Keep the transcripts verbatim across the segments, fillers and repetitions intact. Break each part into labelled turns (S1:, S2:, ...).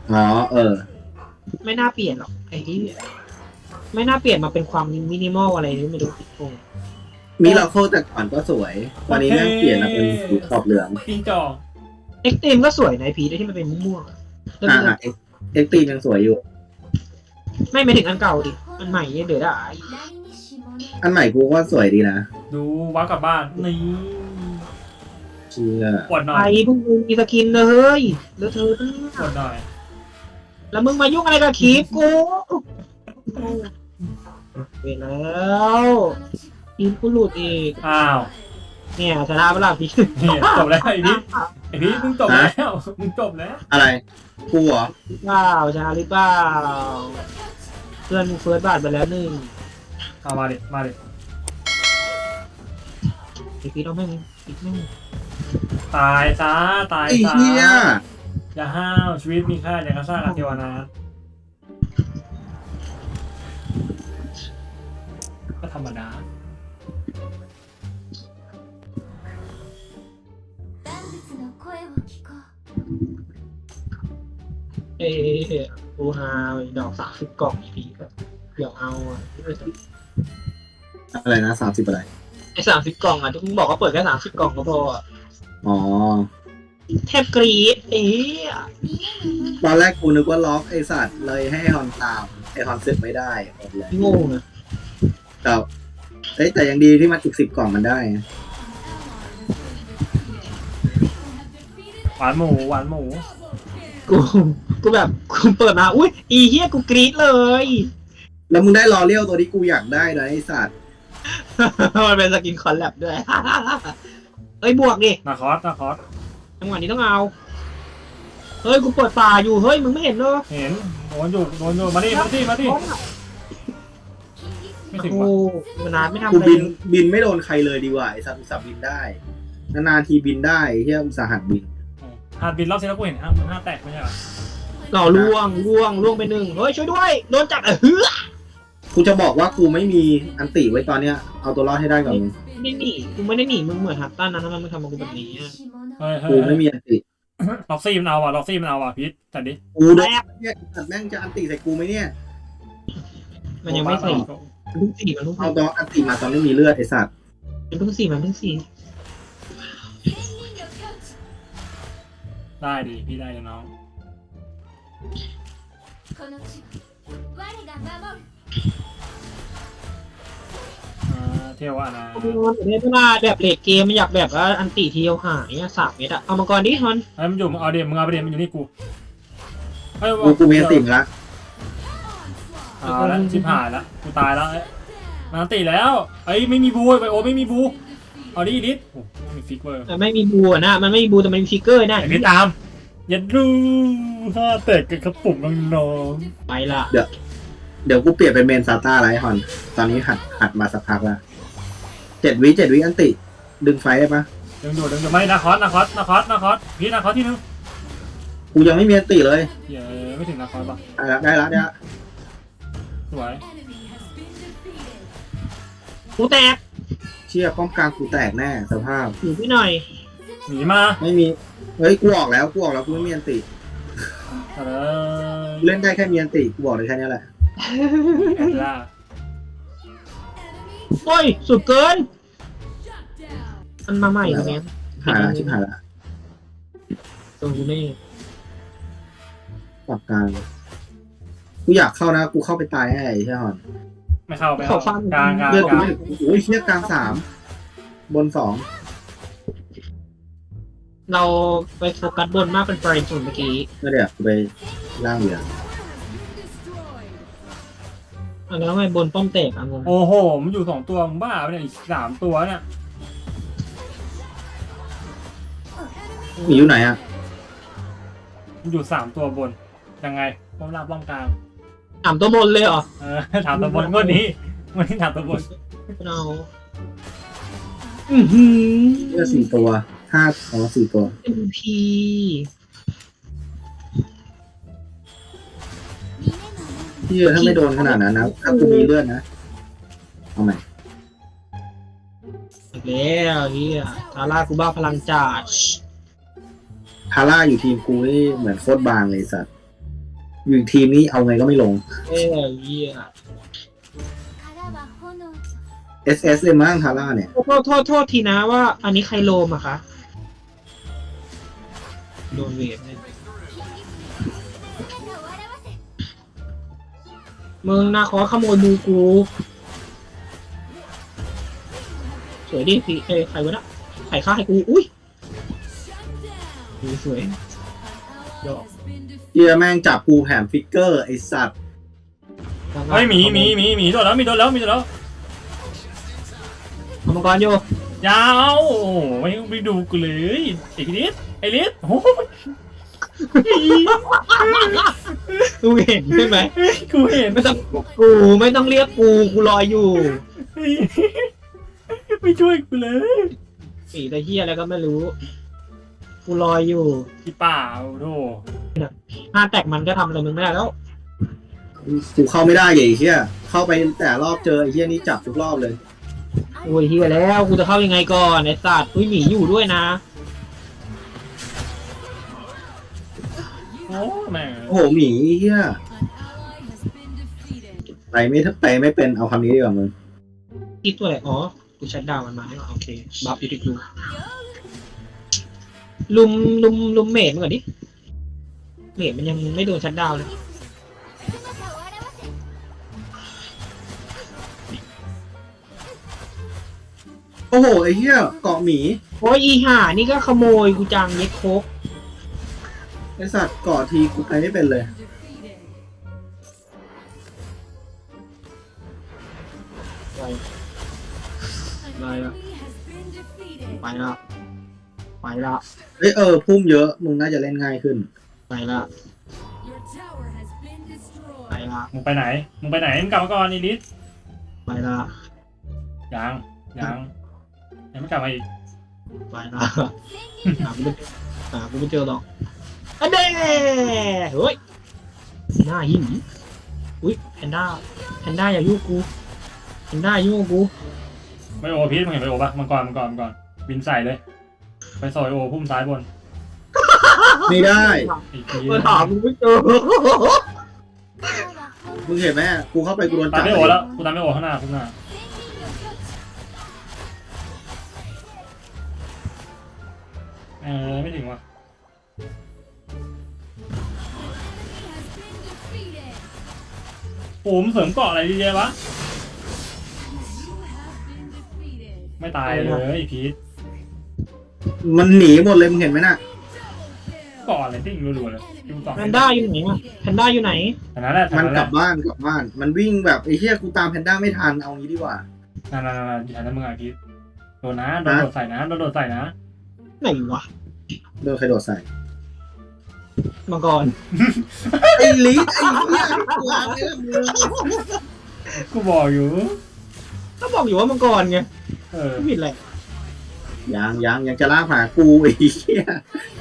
S1: อ๋อเออ
S2: ไม่น่าเปลี่ยนหรอกไอ้ที่ไม่น่าเปลี่ยนมาเป็นความมินิมอลอะไรนี่ไม่รู้โอ้
S1: มิราเคิลแต่ก่อนก็สวยตอนนี้แม่งเปลี่ยนมาเป็นสีขอบเหลือง
S3: จิงจอก
S2: เอ็กซ์ตรีมก็สวยนะไอพีที่มันเป็นม่วงๆอะแล้ว
S1: อ่า
S2: มันก็
S1: อ่ะเอ็กเอ็กตียังสวยอยู่
S2: ไม่ไม่ถึงอันเก่าดิอันใหม่เนี่ยเดี๋ยวได้
S1: อันใหม่กูว่าสวยดีนะ
S3: ดูวักกลับบ้านนี่
S1: เชื่อ
S3: ปวดหน่อ
S2: ไอ้
S3: ย
S2: พวกมึงมีสกินนะเฮ้ยแล้วเธอเนี่ย
S3: ปวดหน่อย
S2: แล้วมึงมายุ่งอะไรกับคลิปกูไปแล้วคลิปกูหลุดอีก
S3: อ้าว
S2: เนี่ยชนะเวลาพี่
S3: เนี่ยจบแล้วไอ้พี่ไอ้พี่มึงจบแล้วมึงจบแล้ว
S1: อะไรกูเหรอ
S2: เปล่าชนะหรือเปล่าเพื่อนมึงเฟิร์สบาทไปแล้วหนึ่ง
S3: เอามาดิมาดิ
S2: ไอพี่ต้องแม่งอีกแม่ง
S3: ตายซะตาย
S1: ไอ้
S3: ซะ
S1: เหี้ย
S3: อย่าห้าวชีวิตมีค่าอย่างกระซ่ากับเทวนาถก็ธรรมดา
S2: เอ้กูฮาดอกสามสิบกล่องอีพีก็เดี๋ยวเอาอ่ะ
S1: อะไรนะสามสิบอะไร
S2: ไอ้สามสิบกล่องอ่ะที่มึงบอกว่าเปิดแค่สามสิบกล่องก็พออ่ะ
S1: อ๋อ
S2: แทบกรี๊ดเอ้ย
S1: ตอนแรกกูนึกว่าล็อกไอสัตว์เลยให้ฮอนตามไอฮอนเสร็จไม่ได้หมดเลย
S2: โง่นะ
S1: แต่เอ้ยแต่ยังดีที่มันอีกสิบกล่องมันได้นะ
S3: หวานหมูหวานหมู
S2: กูกูแบบกูเปิดมาอุ้ยอีเฮียกูกรี๊ดเลย
S1: แล้วมึงได้รอเลี้ยวตัวที่กูอยากได้นะไอสัตว์
S2: มันเป็นสกินคอลแลบด้วย เอ้ยบวกดิ
S3: นาคอสนาคอส
S2: จังหวะนี้ต้องเอาเฮ้ยกูเปิดป่าอยู่เฮ้ยมึงไม่เห็นเหรอ
S3: เห็นโดนอยู่โดนอยู่มาดิมาดิมาดิไม่ถึง
S2: โอ้
S3: ว่ะ
S2: มานานไม่ทำ
S1: กู
S2: อะไร
S1: บินบินไม่โดนใครเลยดีกว่าไอสัตว์อุตส่าห์บินได้นานๆทีบินได้เฮียอุตส่าห์หัดบิน
S3: หาดบินรอบที่แล้วกูเห็นห้าห้าแตกไม่ใช่เหรอ
S2: หล่อล่วงล่วงล่วงไปหนึ่งเฮ้ยช่วยด้วยโดนจับเออเฮ้ย
S1: กูจะบอกว่ากูไม่มีอันติไว้ตอนเนี้ยเอาตัวรอดให้ได้ก่อนมึง
S2: ไม่หนีกูไม่ได้หนีมึงเหมือนฮัตตันนะทำไมมึงทำกับกูแบบนี้อะ
S3: เฮ้ยเฮ้
S1: กู
S3: ย
S1: ไม่มีอันติ
S3: ล็อกซี่มันเอาว่ะล็อกซี่มันเอาว่ะพีทจัดดิ
S1: กูโดนเนี่ยสัตว์แม่งจะอันติใส่กูไหมเนี่ย
S2: มันยังไม่สี่มันเพิ่งสี่มันเพิ่ง
S1: เอา
S2: สี่
S1: ตอนอันติมาตอนไม่มีเลือดไอสัตว์
S2: มันเพิ่งสี่มันเพิ่งสี่
S3: ได้ดิพี่ได้เลยน้องอ่าเที่ยวว่านะ
S2: เนี่ยเวลาแบบเลดเกมมันอยากแบบว่าอันติเทียวหายอะสามเมตรอะเอามาก่อนดิฮอน
S3: เฮ้ยมันอยู่มึงเอาเดี๋ยวมึงเอาไปเดี๋ยวมันอยู่นี่กูเฮ้ย
S1: กูกูมีอันติมาละ
S3: เอาแล้วชิบหายแล้วกูตายแล้วมันอันติแล้วเอ้ยไม่มีบูไปโอไม่มีบูเอาดิดิสโอ้ไม่มีฟิกเวอร์
S2: แต่ไม่มีบูอะนะมันไม่มีบูแต่มันมีฟิกเกอร์นะ
S3: ไอ้พี่ตามยัดรูห้าแตกกับกระปุกน้อง
S2: ไปละ
S1: เดี๋ยวเดี๋ยวกูเปลี่ยนเป็นเมนซาต้าไรฮอน ตอนนี้หัดหัดมาสักพักละเจ็ดวิเจ็ดวิอันติ ดึงไฟได้ปะ
S3: ๆดึงดูดึงดูไม่นาคอสนาคอสนาคอสนาคอสพี่นาคอสที่นึง
S1: กูยังไม่มีอันติเลย
S3: เหี้ยไม่ถึงนาคอสป่ะ
S1: ได้ละได้ละได้ละ
S3: สวย
S2: กูแตก
S1: เชี่ยป้อมกลางกูแตกแน่สภาพ
S2: อยู่พี่หน่อย
S3: หนีมา
S1: ไม่มี เฮ้ยกูออกแล้วกูออกแล้วกูไม่มีอันติ
S3: เออ
S1: กูเล่นได้แค่มีอันติกูบอกเลยแค่นี้แหละ
S3: แอนล่า
S2: โอ้ยสุดเกินมันมาใหม่ตรงนี้
S1: หายละชิบหายละ
S2: ตรงนี้นี่
S1: ปรับกลางกูอยากเข้านะกูเข้าไปตายให้ไอ้เชี่ยฮอน
S3: ไม่เข้าไม่เข้ากลางกลาง
S1: เลือด
S3: ก
S1: กู
S3: ลาง
S1: ไม่โอ้ยเชี่ยกลางสามบนสอง
S2: เราไปโฟกัสบนมากเป็นประเด็นส่วนเมื่อกี้
S1: ก็เดี๋ยวกูไปล่างเหลือ
S2: อันนั้นทำไมบนป้อมแตกอะงง
S3: โอ้โหมันอยู่สองตัวมึงบ้าไปเนี่ยอีกสามตัวเนี่ย
S1: มีอยู่ไหนอ่ะ
S3: มันอยู่สามตัวบนยังไงป้อมล่างป้อมกลาง
S2: ถามตัวบนเลยเหรอ
S3: เออถามตัวบนงวดนี้งวดนี้ถามตัวบน
S2: เราอือหือ
S1: เลือดสี่ตัวห้าอ๋อสี่ตัว
S2: เอ็มพี
S1: ที่ถ้าไม่โดนขนาดนั้นนะถ้ากูมีเลือดนะเอาใหม่
S2: อีกแล้วเฮียทาร่ากูบ้าพลังจัด
S1: ทาร่าอยู่ทีมกูนี่เหมือนโคตรบางเลยสัตว์อยู่ทีมนี้เอาไงก็ไม่ลง
S2: เอ้ยเหี้ย
S1: เอส เอส เลยมั้งทาร่าเนี่ย
S2: โทษโทษโทษทีนะว่า อันนี้ใครโลมอะคะโดนเวทเนี่ยมึงนาขอขโมยบูกูสวยดิพี่เอ้ยใครวะนะใครฆ่าให้กูอุ้ยสวยดอก
S1: เฮียแม่งจับกูแถมฟิกเกอร์ไอสัตว์
S3: เฮ้ยหมีหมีหมีหมีโดนแล้วมีโดนแล้วมีโดนแล้ว
S2: เอามังกรโย
S3: ยาวโอ้โหไม่ไม่ดูกูเลยไอ้ลิสไอ้ลิสโอ้โห
S2: กูเห็นใช่ไหม
S3: กูเห็น
S2: ไม่ต้องกูไม่ต้องเรียกกูกูรออยู่
S3: ไม่ช่วยกูเลย
S2: สีตะเฮียอะไรก็ไม่รู้ กูรออยู่
S3: พี่ป่าโธ่
S2: ห้าแตกมันก็ทำอะไรมึงไม่ได้แล้ว
S1: กูเข้าไม่ได้ไอ้เฮียเข้าไปแต่รอบเจอไอ้เฮียนี่จับทุกรอบเลย
S2: โอ้ยเฮียแล้วกูจะเข้ายังไงก่อนไอ้สัตว์อุ้ยหมีอยู่ด้วยนะ
S3: โอ้แม่ง
S1: โอ้โหหมีเฮียไปไม่ไปไม่เป็นเอาคำนี้ดีกว่ามึง
S2: อีตัวอะไรอ๋อกูชัดดาวน์มันมาเนี่ยโอเคบัฟอยู่ที่กูลุมลุมลุมเมดมันก่อนดิเมดมันยังไม่โดนชัดดาวน์เลย
S1: โอ้โหไอ้เฮียเกาะหมี
S2: โอ้ยอีห่านี่ก็ขโมยกูจังเย็ดโคก
S1: ไอสัตว์เกาะทีกูไปไม่เป็นเลย
S2: ไปไปละไปละไปละ
S1: เอ้ยเออพุ่มเยอะมึงน่าจะเล่นง่ายขึ้น
S2: ไปละไปละ
S3: มึงไปไหนมึงไปไหนมึงกลับมาก่อนอีลิส
S2: ไปละ
S3: ยังยังยังไม่กลับมาอีก
S2: ไปละหากูไม่หากูไม่เจอหรอกอันเด้เฮ้ยหน้าหินอุ้ยแพนด้าแพนด้าอย่ายุ่งกูแพนด้ายุ่งกู
S3: ไม่โอพีทมึงเห็นไปโอปะมังกรมังกรมังกรบินใส่เลย ไปซอยโอพุ่มซ้ายบน
S1: ไม่ได้
S3: อีกที
S2: มาถามกูไม่เจอ
S1: มึงเห็นไหมกูเข้าไปกูโดน
S3: ตา
S1: จั
S3: ม
S1: บ
S3: ไม่โอแล้วกูตามไม่โอข้างหน้าข้างหน้าเออไม่ถึงว่ะโอ้มเสริมเกาะอะไรดีเจวะไม่ตายเลยพีท
S1: มันหนีหมดเลยมึงเห็นไหมน่ะ
S3: เกาะอะไรติ้งรัวๆเลยดูต่อ
S2: แพนด้าอยู่ไหนอะแพนด้าอยู่ไหน
S3: แต่นั้นแหละ
S1: มันกลับบ้านกลับบ้าน มันวิ่งแบบไอ้เหี้ยกูตามแพนด้าไม่ทันเอางี้ดีกว่า
S3: นั่นนั่นนั่นอยู่แถวนั้นมึงอ่ะพีทโดนนะโดนโดดใส่นะโดนโดดใส่นะ
S2: ไหนวะ
S1: โดนใครโดดใส่
S2: มังกร
S1: ไอ้ลิสไอ้เหี้ยกูวางไว้แล้วมึง
S3: กูบอกอยู่
S2: ก็บอกอยู่ว่ามังกรไง
S3: เออ
S2: ไม่ผิดเลย
S1: ยังยังยังจะลากหากูไอ้เหี้ย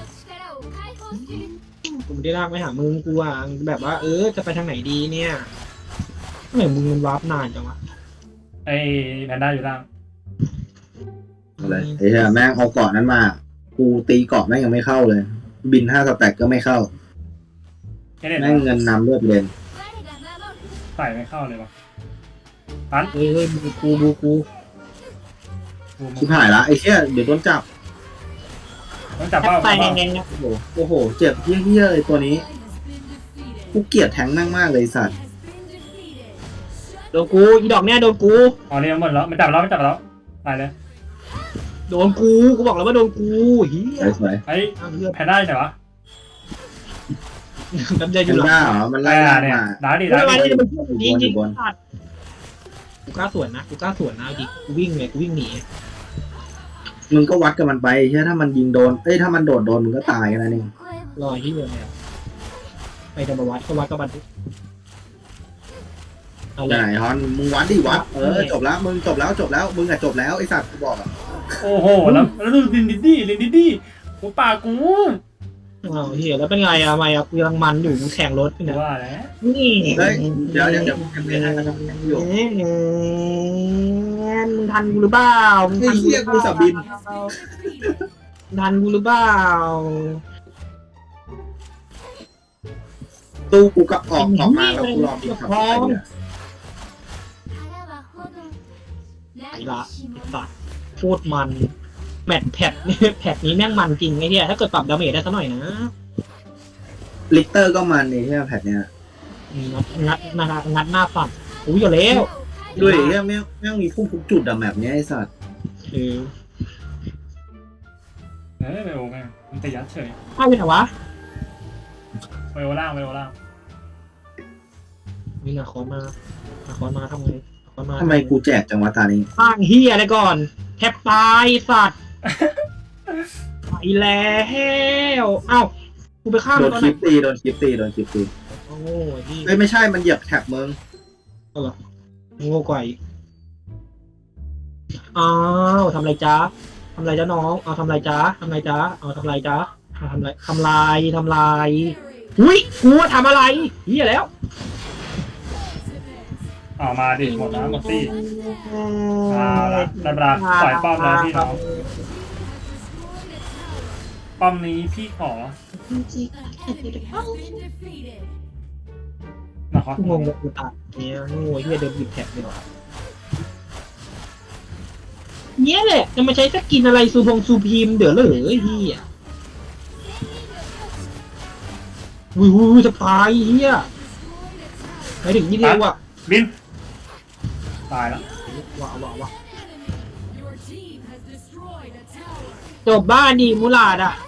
S2: กูไม่ได้ลากไปหามึงกูอ่ะแบบว่าเออจะไปทางไหนดีเนี่ยทำไมมึงมันวาร์ปนานจังวะ
S3: ไอ้แพนด้าอยู่ล่าง
S1: อะไรไอ้เหี้ยแม่งเอาเกาะนั้นมา กูตีเกาะแม่งยังไม่เข้าเลย บินห้าสแต็กก็ไม่เข้า
S3: แค่เด็ด
S1: แม่งเงินนำเลือดเลน
S3: ใส่ไม่เข้าเลยวะตัน
S2: เฮ้ยเฮ้ยบูกูบูกู
S1: ชิบหายละไอ้เหี้ยเดี๋ยวโดนจับ
S3: ต้องจับ
S2: แท
S3: เป้า
S2: บตาย
S3: เป้า
S2: แงงๆนะ
S1: โอ้โหโอ้โห เจ็บเหี้ยๆเลยตัวนี้ กูเกลียดแทงนั่งมากเลยไอ้สัตว์
S2: โดนกูอีดอกเนี่ยโดนกู
S3: อ๋อเนี่ยหมดแล้วมันจับแล้วมันจับแล้วตายเลย
S2: โดนกูกูบอกแล้วว่าโดนกูเฮีย
S1: สวย
S3: ไอ้
S2: อ้าวเลือด
S3: แพนด้าอยู่ไหนวะ
S2: น้ำใจ
S1: ๆ
S2: อ
S1: แพ
S2: ยู่
S1: น
S2: หลัง
S1: ด้าเหรอมันไล่
S3: ไอ้
S1: ล่า
S3: เนี่ย
S1: มา
S3: ดาดิ
S2: ไม่
S3: ดา
S2: เป็นไร
S3: ดิ
S2: เนี่ยมันพูดยิงยิง
S1: บน
S2: สัตว์กูกล้าสวนนะกูกล้าสวนนะดิกูวิ่งเลยกูวิ่งหนี
S1: มึงก็วัดกับมันไปใช่ถ้ามันยิงโดน เอ้ยถ้ามันโดดโดนมึงก็ตายกันนะนี่
S2: รอยที่เดียวเนี่ยไปจะมาวัดก็วัดกับบันทึกเอา
S1: จะ
S2: เลย
S1: ไหนฮอนมึงวัดดิวัด เออจบแล้วมึงจบแล้วจบแล้วมึงอะจบแล้วไอ้สัตว์กูบอกอะ
S3: โอ้โหแล้วแล้วดูลินดิดดี้ลินดิดดี้กูปากกู
S2: เอาเฮียแล้วเป็นไงอะทำไมอะกูกำลังมันอยู่กูแข่งรถอยู่เนี่ย
S3: ว่าแล้ว
S2: นี่
S1: เฮ้ยเดี๋ยวเดี๋ยวเดี๋ยวมึงยังไม่ได้นะครับอยู่
S2: มึงทันกูหรือเปล่ามึง
S1: ไอ้
S2: ทัน
S1: เหี้ยกูสับบิน
S2: ทันกูหรือเปล่า
S1: ตู้กูก็ออกออกมาแล้วกูรอบินขับไปเนี่ย
S2: ไอ้ละไอ้สัตว์โคตรมันแมตช์แพทนี่แพทนี้แม่งมันจริงไอ้เหี้ยถ้าเกิดปรับดาเมจได้สักหน่อยนะ
S1: ลิกเตอร์ก็มันนี่ใช่ไหมแพทเนี่ย
S2: งัดงัดงัดงัดหน้าฝั่งอุ้ยอยู่แล้ว
S1: ด้วยเนี่ยแม่งแม่งมีพุ่มทุกจุดอะแบบเนี้ยไอ้สัตว์
S2: เออ
S3: เฮ้ยไวโอแม่งมันแต่ยัดเฉย
S2: อ้าวเป็นไงวะ
S3: ไวโอล่างไวโอล่าง
S2: มีนาคอนมานาคอนมาทำไงนาคอนมา
S1: ทำไมกูแจกจังวะตานี้
S2: สร้างเฮียอะไรก่อนแทบตายสัตว์ไปแล้วเอ้ากูไปฆ่า
S1: โด
S2: มัน
S1: น
S2: ตอน
S1: ค
S2: ไหน
S1: ลิปตีโดนคลิปตีโดนคลิปตี
S2: โอ้ยนี่
S1: เอ้ยไม่ใช่มันเหยียบแท็บมึง
S2: โง่กว่าอีกอ้าวทำไรจ๊ะทำไรจ๊ะน้องเอาทำไรจ๊ะทำไรจ๊ะเอาทำไรจ๊ะเอาทำไรทำลายทำลายอุ้ยกูว่าทำอะไรเฮียแล้ว
S3: เอามาดิหมดนะหมดตี้เอาละได้เวลาปล่อยป้อมแล้วพี่น้องป้อมนี้พี่ขอนะครับ
S2: งงกับกูตัดเนี่ยโง่เฮียเดินหยิบแท็บเลยว่ะเนี่ยแหละจะมาใช้สกินอะไรซูพงซูพีมเดี๋ยวเลยเฮียวิววิวจะตายเฮียไปถึงยี่เดียวอ่ะ
S3: บินตายแล้ว
S2: ว้าวว้าวว้าวจบบ้านดีมูลาดอ่ะ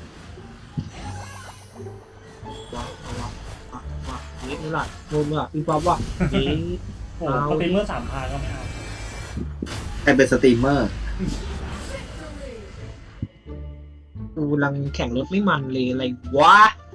S2: ว้าวว้าวว้าวว้าวเฮ้ยมูลาดโดนมูลาดปีป๊อปว่ะเฮ้ย
S3: โอ้โหสตรีมเมอร์สามพันก็ไม่เอา
S1: ใครเป็นสตรีมเมอร์
S2: กูกำลังแข่งรถไม่มันเลยอะไรวะ